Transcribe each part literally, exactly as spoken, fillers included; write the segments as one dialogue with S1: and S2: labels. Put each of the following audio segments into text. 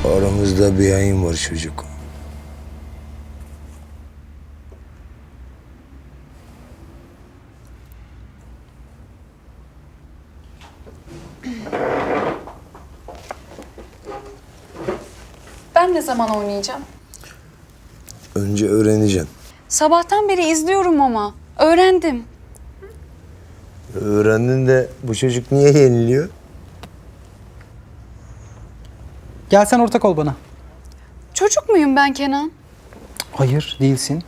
S1: Aramızda bir yayın var çocuk.
S2: Ben ne zaman oynayacağım?
S1: Önce öğreneceğim.
S2: Sabahtan beri izliyorum ama. Öğrendim.
S1: Öğrendin de bu çocuk niye yeniliyor?
S3: Gel sen ortak ol bana.
S2: Çocuk muyum ben Kenan?
S3: Hayır, değilsin.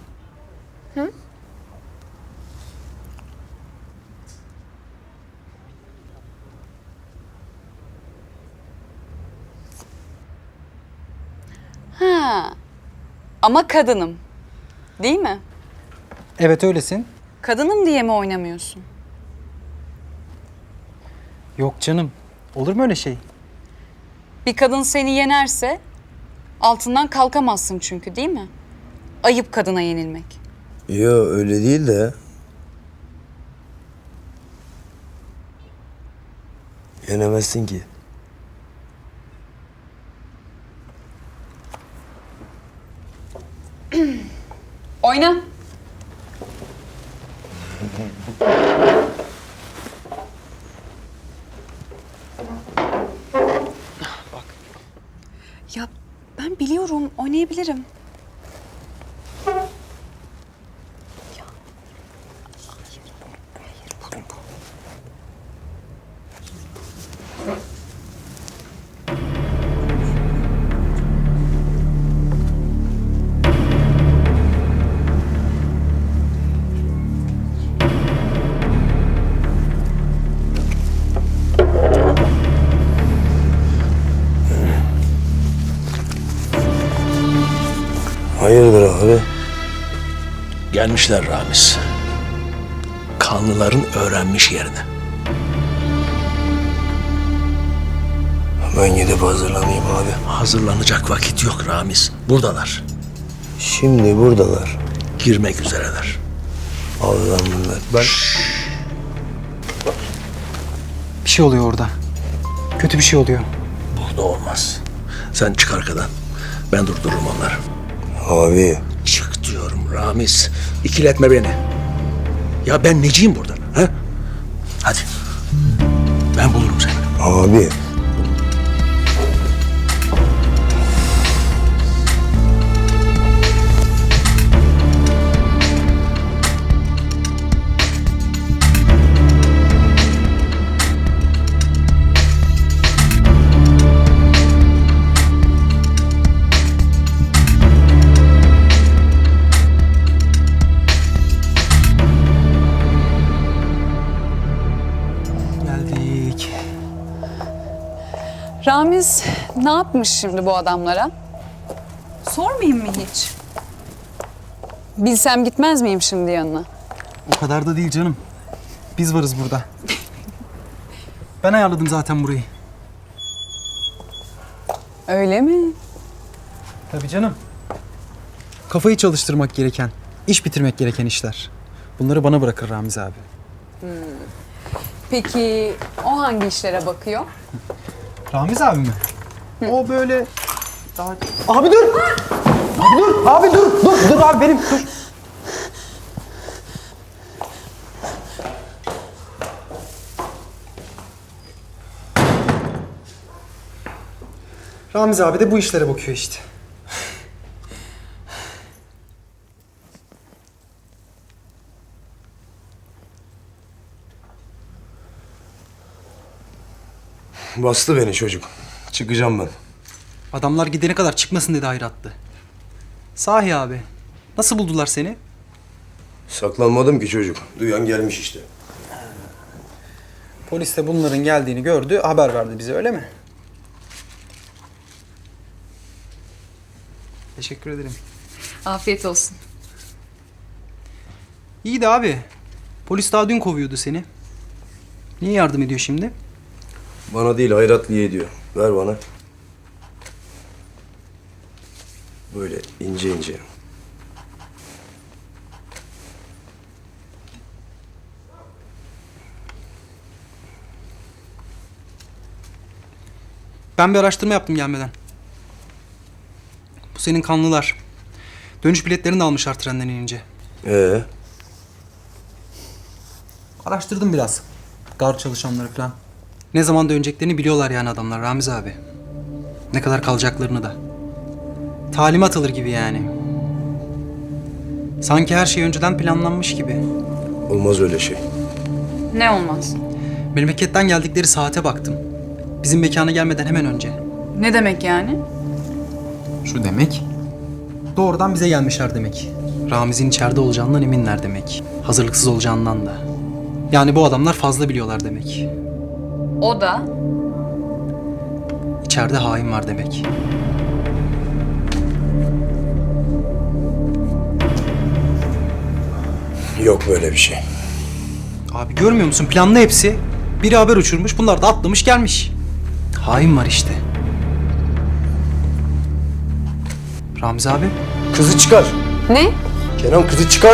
S2: Ha. Ama kadınım. Değil mi?
S3: Evet öylesin.
S2: Kadınım diye mi oynamıyorsun?
S3: Yok canım. Olur mu öyle şey?
S2: Bir kadın seni yenerse altından kalkamazsın çünkü değil mi? Ayıp kadına yenilmek.
S1: Yo öyle değil de. Yenemezsin ki.
S2: Oyna. Ya ben biliyorum, oynayabilirim.
S1: Hayırdır abi?
S4: Gelmişler Ramiz. Kanlıların öğrenmiş yerini.
S1: Ben gidip hazırlanayım abi.
S4: Hazırlanacak vakit yok Ramiz. Buradalar.
S1: Şimdi buradalar.
S4: Girmek üzereler.
S1: Allah'ım bunlar. Ben...
S3: Bir şey oluyor orada. Kötü bir şey oluyor.
S4: Burada olmaz. Sen çık arkadan. Ben durdururum onları.
S1: Abi.
S4: Çık diyorum Ramiz. İkiletme beni. Ya ben neciyim burada? Ha? Hadi. Ben bulurum seni.
S1: Abi.
S3: Geldik.
S2: Ramiz ne yapmış şimdi bu adamlara? Sormayayım mı hiç? Bilsem gitmez miyim şimdi yanına?
S3: O kadar da değil canım. Biz varız burada. Ben ayarladım zaten burayı.
S2: Öyle mi?
S3: Tabii canım. Kafayı çalıştırmak gereken, iş bitirmek gereken işler. Bunları bana bırakır Ramiz abi.
S2: Peki o hangi işlere bakıyor?
S3: Ramiz abi mi? O böyle... Daha... Abi dur! Abi dur! Abi dur! Dur! Dur abi benim! Dur! Ramiz abi de bu işlere bakıyor işte.
S1: Bastı beni çocuk. Çıkacağım ben.
S3: Adamlar gidene kadar çıkmasın dedi hayrattı. Sahi abi. Nasıl buldular seni?
S1: Saklanmadım ki çocuk. Duyan gelmiş işte.
S3: Polis de bunların geldiğini gördü, haber verdi bize öyle mi? Teşekkür ederim.
S2: Afiyet olsun.
S3: İyi de abi. Polis daha dün kovuyordu seni. Niye yardım ediyor şimdi?
S1: Bana değil Hayratlı'ya diyor. Ver bana. Böyle ince ince.
S3: Ben bir araştırma yaptım gelmeden. Bu senin kanlılar. Dönüş biletlerini de almışlar trenden inince.
S1: Ee,
S3: Araştırdım biraz. Gar çalışanları falan. Ne zaman döneceklerini biliyorlar yani adamlar Ramiz abi. Ne kadar kalacaklarını da. Talimat alır gibi yani. Sanki her şey önceden planlanmış gibi.
S1: olmaz öyle şey.
S2: Ne olmaz?
S3: Memleketten geldikleri saate baktım. Bizim mekana gelmeden hemen önce.
S2: Ne demek yani?
S3: Şu demek. Doğrudan bize gelmişler demek. Ramiz'in içeride olacağından eminler demek. Hazırlıksız olacağından da. Yani bu adamlar fazla biliyorlar demek.
S2: O da
S3: İçeride hain var demek.
S1: Yok böyle bir şey.
S3: Abi görmüyor musun? Planlı hepsi. Biri haber uçurmuş, bunlar da atlamış gelmiş. Hain var işte. Ramiz abi.
S1: Kızı çıkar.
S2: ne?
S1: Kenan kızı çıkar.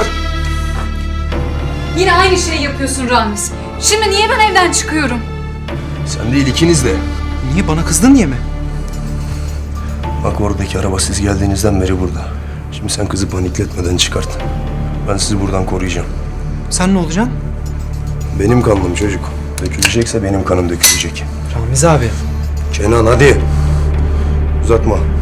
S2: Yine aynı şeyi yapıyorsun Ramiz. Şimdi niye ben evden çıkıyorum?
S1: Sen değil ikiniz de.
S3: Niye bana kızdın diye mi?
S1: Bak oradaki araba siz geldiğinizden beri burada. Şimdi sen kızı panikletmeden çıkart. Ben sizi buradan koruyacağım.
S3: Sen ne olacaksın?
S1: Benim kanım çocuk. Dökülecekse benim kanım dökülecek.
S3: Ramiz abi.
S1: Kenan hadi. Uzatma.